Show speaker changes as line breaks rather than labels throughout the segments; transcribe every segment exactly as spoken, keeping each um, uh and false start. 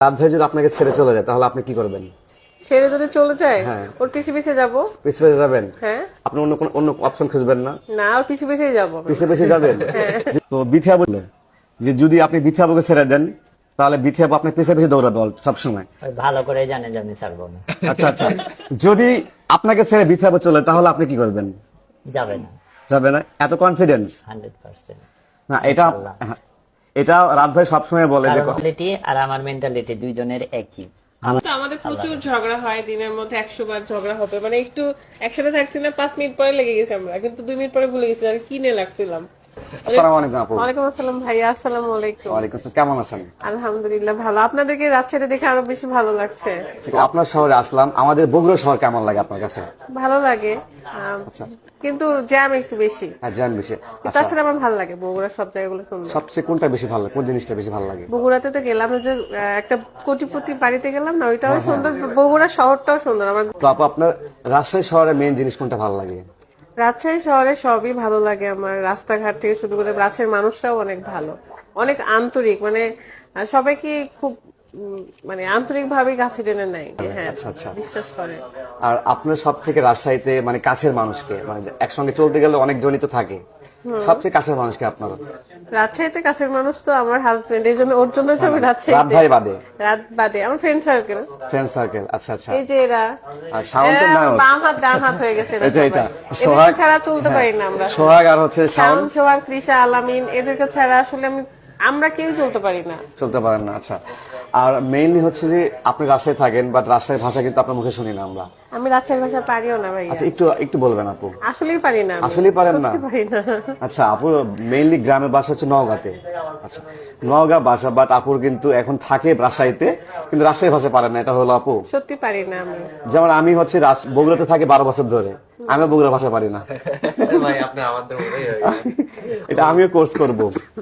রাত ধরে যদি আপনাকে ছেড়ে চলে যায় তাহলে আপনি কি করবেন?
ছেড়ে যদি চলে যায়
হ্যাঁ।
ওর পিছে পিছে যাব।
পিছে পিছে যাবেন?
হ্যাঁ।
আপনি অন্য কোন অন্য অপশন খুঁজবেন না?
না, ওর পিছে পিছেই যাব।
পিছে পিছে যাবেন? তো বিথিয়া বলল যে যদি আপনি বিথিয়াবুকে ছেড়ে দেন তাহলে বিথিয়াবু আপনার পিছে পিছে দৌড়াবে সবসময়।
ওই ভালো করে জানে যে আমি ছাড়বো না।
আচ্ছা আচ্ছা, যদি আপনাকে ছেড়ে বিথিয়াবু চলে তাহলে আপনি কি করবেন?
যাবে না,
যাবে না? এত কনফিডেন্স?
Hundred percent.
না, এটা হ্যাঁ, এটা রাত ভাই সবসময় বলে যে
মেন্টালিটি আর আমার মেন্টালিটি দুইজনের একই।
তো আমাদের প্রচুর ঝগড়া হয়, দিনের মধ্যে একশো বার ঝগড়া হবে, মানে একটু একসাথে থাকছি না, পাঁচ মিনিট পরে লেগে গেছি আমরা, কিন্তু দুই মিনিট পরে ভুলে গেছি আর কি নিয়ে লাগছিলাম।
আসসালামু আলাইকুম আপু।
ওয়ালাইকুম আসসালাম ভাইয়া। আসসালামু আলাইকুম।
ওয়ালাইকুম আসসালাম, কেমন আছেন?
আলহামদুলিল্লাহ ভালো। আপনাদেরকে রাজশাহীতে দেখে আরো বেশি ভালো লাগছে।
ঠিক আছে, আপনার শহরে আসলাম, আমাদের বগুড়া শহর কেমন লাগে আপনার কাছে?
ভালো লাগে, আম, কিন্তু জ্যাম একটু বেশি।
হ্যাঁ, জান বেশি। আচ্ছা,
তাছাড়া আমার ভালো লাগে বগুড়ার সব জায়গাগুলো সুন্দর।
সবচেয়ে কোনটা বেশি ভালো লাগে, কোন জিনিসটা বেশি ভালো লাগে?
বগুড়াতে তো গেলাম, ওই যে আহ, একটা কোটিপতি বাড়িতে গেলাম না, ওইটাও সুন্দর। বগুড়া শহরটাও সুন্দর আমার।
তো আপু আপনার রাজশাহী শহরের মেইন জিনিস কোনটা ভালো লাগে?
রাজশাহী শহরে সবই ভালো লাগে আমার, রাস্তাঘাট থেকে শুরু করে রাজশাহীর মানুষরাও অনেক ভালো, অনেক আন্তরিক, মানে আহ, সবাইকে খুব উম, মানে আন্তরিক ভাবে কাছে টেনে নেয়। হ্যাঁ,
আচ্ছা আচ্ছা।
বিশ্বাস করে।
আর আপনার সব থেকে রাজশাহীতে মানে কাছের মানুষকে, মানে যে একসঙ্গে চলতে গেলে অনেক জনই তো থাকে, সবচেয়ে কাছের মানুষকে আপনার?
রাজশাহীতে কাছের মানুষ তো আমার হাজবেন্ড, এই জন্য ওর জন্যই তো আমি
রাত
রাজশাহীতে।
ভাই বাদে?
রাত বাদে আমার ফ্রেন্ড সার্কেল।
ফ্রেন্ড সার্কেল, আচ্ছা আচ্ছা।
এই যে এরা
আর শাওনদের
এরা
নাম?
বাম হাত ডান হাত হয়ে গেছে এরা
এই যে এটা,
সবাই।
সোহাগ
এদেরকে ছাড়া চলতে পারি না আমরা।
সোহাগ আর হচ্ছে শাওন,
শাওন, সোহাগ, তৃষা, আলামিন, এদেরকে ছাড়া আসলে আমি আমরা কেউ চলতে পারি না।
চলতে পারেন না, আচ্ছা। আর মেইনলি হচ্ছে যে আপনি রাজশাহী থাকেন, বাট রাজশাহীর ভাষা কিন্তু আপনার মুখে শুনি না আমরা।
আমি রাজশাহীর ভাষা পারিও না ভাইয়া,
আচ্ছা, একটু একটু বলবেন আপু।
আসলেই পারি না আমি।
আসলেই পারেন না?
সত্যি পারি না।
আচ্ছা, আপুর মেইনলি গ্রামের বাসা হচ্ছে নওগাঁতে। আচ্ছা, নওগাঁ বাসা, বাট আপুর কিন্তু এখন থাকে রাজশাহীতে, কিন্তু রাজশাহী ভাষা পারেন না, এটা হলো আপু?
সত্যি পারি না আমি।
যেমন আমি হচ্ছে রাজ- বগুড়াতে থাকি বারো বছর ধরে, আমি বগুড়া ভাষা পারি না।
ভাই আপনি আমাদের মতোই হয়ে
এটা আমিও কোর্স করব।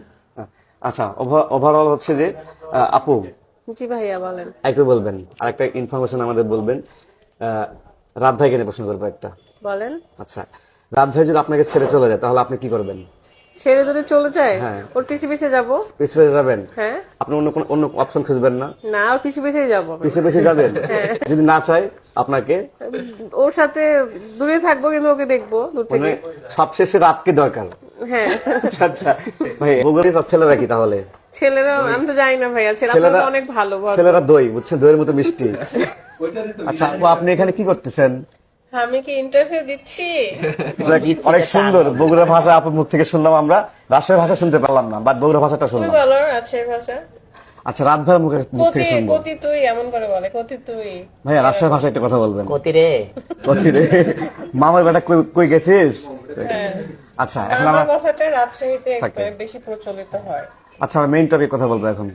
আচ্ছা, ওভারঅল হচ্ছে যে আহ, আপু
জি ভাইয়া বলেন।
একটু বলবেন, আরেকটা ইনফরমেশন আমাদের বলবেন। আহ, রাত ভাইকে নিয়ে প্রশ্ন করবো একটা।
বলেন।
আচ্ছা, রাত ভাই যদি আপনাকে ছেড়ে চলে যায় তাহলে আপনি কি করবেন?
ছেড়ে যদি চলে যায়
হ্যাঁ।
ওর পিছে পিছে যাব।
পিছে পিছে যাবেন?
হ্যাঁ।
আপনি অন্য কোন অন্য অপশন খুঁজবেন না?
না, ওর পিছে পিছেই যাব।
পিছে পিছে যাবেন? যদি না চাই আপনাকে?
ওর সাথে দূরে থাকবো, কিন্তু ওকে দেখবো দূর
মানে
থেকে।
সবশেষে রাতকে দরকার।
হ্যাঁ।
আচ্ছা আচ্ছা ভাই, বগুড়ার ছেলেরা কি তাহলে?
ছেলেরা আমি তো জানি না ভাইয়া, ছেলেরা
ছেলেরা
অনেক ভালো ভদ্র।
ছেলেরা দই বুঝছেন, দইয়ের মতো মিষ্টি। আচ্ছা আপু, আপনি এখানে কি করতেছেন?
আমি কি ইন্টারভিউ দিচ্ছি?
যাক, অনেক সুন্দর বগুড়া ভাষা আপুর মুখ থেকে শুনলাম আমরা, রাজশাহীর ভাষা শুনতে পারলাম না, বাট বগুড়া ভাষাটা
তুমি
শুনলাম।
বলো রাজশাহীর ভাষা।
আচ্ছা, রাত ভাইয়ের মুখে মুখ
কতি
থেকে শুনবো।
কতি তুই এমন করে বলে, কতি তুই।
ভাইয়া রাজশাহীর ভাষায় একটা কথা বলবেন।
কতি রে,
কতি রে, মামার বেটা কই কই গেছিস?
হ্যাঁ।
আচ্ছা, এখন
আমার
আমরা
ভাষাটা রাজশাহীতে
থাকে।
একবারে বেশি প্রচলিত হয়।
আচ্ছা আমরা মেইন টপিক কথা বলবো এখন।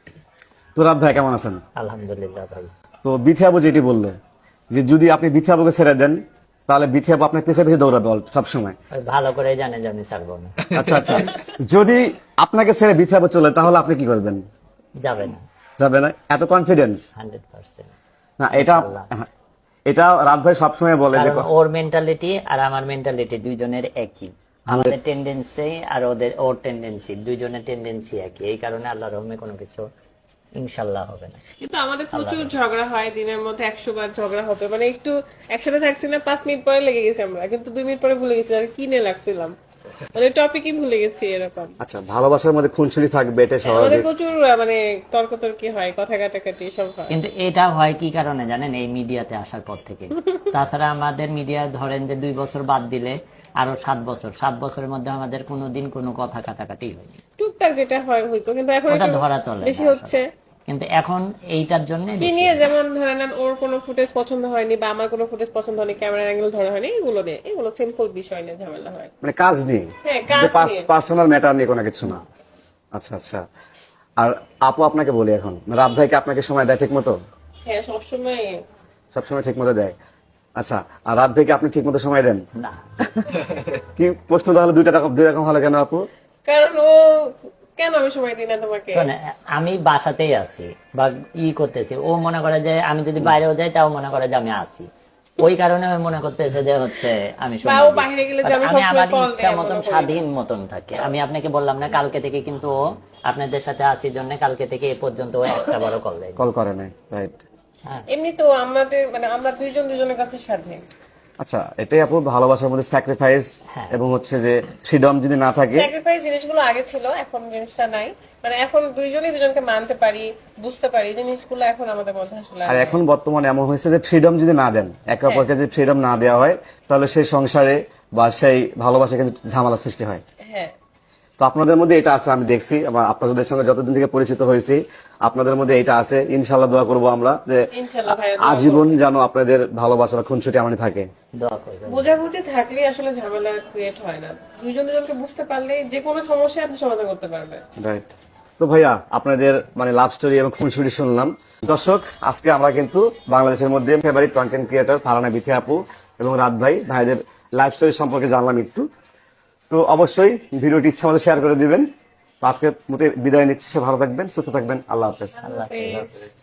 তো রাত ভাই কেমন আছেন?
আলহামদুলিল্লাহ ভাই।
তো বিথিয়াবু যেটি বললো যে যদি আপনি বিথিয়াবুকে ছেড়ে দেন তাহলে বিথিয়াবু আপনার পিছে পিছে দৌড়াবে সবসময়।
ওই ভালো করে জানে যে আমি ছাড়বো না।
আচ্ছা আচ্ছা, যদি আপনাকে ছেড়ে বিথিয়াবু চলে তাহলে আপনি কি করবেন?
যাবে না,
যাবে না? এত কনফিডেন্স?
Hundred percent.
না, এটা হ্যাঁ, এটা রাত ভাই সবসময় বলে যে
কারণ ওর মেন্টালিটি আর আমার মেন্টালিটি দুইজনের একই। আমাদের টেন্ডেন্সি আর ওদের ওর টেন্ডেন্সি, দুইজনের টেন্ডেন্সি একই। এই কারণে আল্লাহর রহমে কোনো কিছু ইনশাল্লাহ হবে না।
কিন্তু আমাদের প্রচুর ঝগড়া হয়, দিনের মধ্যে একশো বার ঝগড়া হবে, মানে একটু একসাথে থাকছি না, পাঁচ মিনিট পরে লেগে গেছি আমরা, কিন্তু দুই মিনিট পরে ভুলে গেছি আর কি নিয়ে লাগছিলাম, মানে টপিকই ভুলে গেছি এরকম।
আচ্ছা, ভালোবাসার মধ্যে খুনসুলি থাকবে, এটা
আমাদের
স্বাভাবিক।
প্রচুর আহ, মানে তর্কতর্কি হয়, কথা কাটাকাটি সব হয়।
কিন্তু এটা হয় কি কারণে জানেন? এই মিডিয়াতে আসার পর থেকে। তাছাড়া আমাদের মিডিয়া ধরেন যে দুই বছর বাদ দিলে আরো সাত বছর সাত বছরের মধ্যে আমাদের কোনোদিন কোনো কথা কাটাকাটি হয়নি।
টুকটাক যেটা হয় হইতো, কিন্তু এখন
ওটা
একটু
ধরা চলে
বেশি
না
হচ্ছে।
কিন্তু এখন এইটার জন্য
কি নিয়ে, যেমন ধরে নেন ওর কোনো ফুটেজ পছন্দ হয়নি বা আমার কোনো ফুটেজ পছন্দ হয়নি, ক্যামেরা অ্যাঙ্গেল ধরা হয়নি, এগুলো নিয়ে, এগুলো সিম্পল বিষয় নিয়ে ঝামেলা হয়।
মানে কাজ নেই,
হ্যাঁ, কাজ
যে
নিয়ে।
পার্সোনাল ম্যাটার নিয়ে কোনো কিছু না। আচ্ছা আচ্ছা। আর আপু আপনাকে বলি, এখন রাত ভাইকে আপনাকে সময় দেয় ঠিক মতো?
হ্যাঁ, সবসময়।
সবসময় ঠিক মতো দেয়? আচ্ছা, আর রাত ভাইকে আপনি ঠিক মতো সময় দেন?
না।
কি প্রশ্ন তাহলে দুইটা রকম দুই রকম হলো কেন আপু?
কারণ ও, কেন আমি সময় দিই না তোমাকে?
শোনে, আমি বাসাতেই আছি বা ই করতেছি, ও মনে করে যে আমি যদি বাইরেও যাই তাও মনে করে যে আমি আছি। ওই কারণে ও মনে করতেছে যে হচ্ছে আমি
বা
সময়
ও
দিই।
বাইরে গেলে যে আমি
আমি
সবসময়
আমার
call
ইচ্ছা
দেই,
মতন
মনে করি।
স্বাধীন মতন থাকি। আমি আপনাকে বললাম না কালকে থেকে কিন্তু ও আপনাদের সাথে আসি জন্য কালকে থেকে এ পর্যন্ত ও একটা বড় কল দেয়।
কল করে নাই, রাইট।
হ্যাঁ
এমনি তো আমাদের মানে আমরা দুইজন দুজনের কাছে স্বাধীন।
আচ্ছা, এটাই আপু ভালোবাসার মধ্যে স্যাক্রিফাইস
হ্যাঁ।
এবং হচ্ছে যে ফ্রিডম যদি না থাকে।
স্যাক্রিফাইস জিনিসগুলো আগে ছিল, এখন জিনিসটা নাই। মানে এখন দুইজনই দুজনকে মানতে পারি, বুঝতে পারি, এই জিনিসগুলো এখন আমাদের মধ্যে আসলে
আর এখন বর্তমানে এমন হয়েছে যে ফ্রিডম যদি না দেন, একে অপরকে যদি ফ্রিডম না দেওয়া হয়, তাহলে সেই সংসারে বা সেই ভালোবাসা কিন্তু ঝামেলা সৃষ্টি হয়।
হ্যাঁ
তো আপনাদের মধ্যে এটা আছে, আমি দেখছি, আমার আপনাদের সঙ্গে যতদিন থেকে পরিচিত হয়েছি আপনাদের মধ্যে এটা আছে। ইনশাল্লাহ দোয়া করবো আমরা যে
ইনশাল্লাহ ভাইয়া, দোয়া
আজীবন যেন আপনাদের ভালোবাসার খুনসুটি আমাদের থাকে।
দোয়া করবেন।
বোঝাবুঝি থাকলে আসলে ঝামেলা ক্রিয়েট হয় না। দুইজন দুজনকে বুঝতে পারলে যে কোনো সমস্যা আপনি সমাধান করতে পারবেন।
রাইট। তো ভাইয়া, আপনাদের মানে লাভ স্টোরি এবং খুনসুটি শুনলাম। দর্শক, আজকে আমরা কিন্তু বাংলাদেশের মধ্যে favourite content creator Farhana Bithi আপু এবং রাত ভাই ভাইদের লাইফ স্টোরি সম্পর্কে জানলাম একটু। তো অবশ্যই ভিডিওটি ইচ্ছা মতো শেয়ার করে দিবেন। তো আজকে মতো বিদায় নিচ্ছি। সে ভালো থাকবেন, সুস্থ থাকবেন। আল্লাহ হাফেজ।
আল্লাহ হাফেজ।
প্লিজ।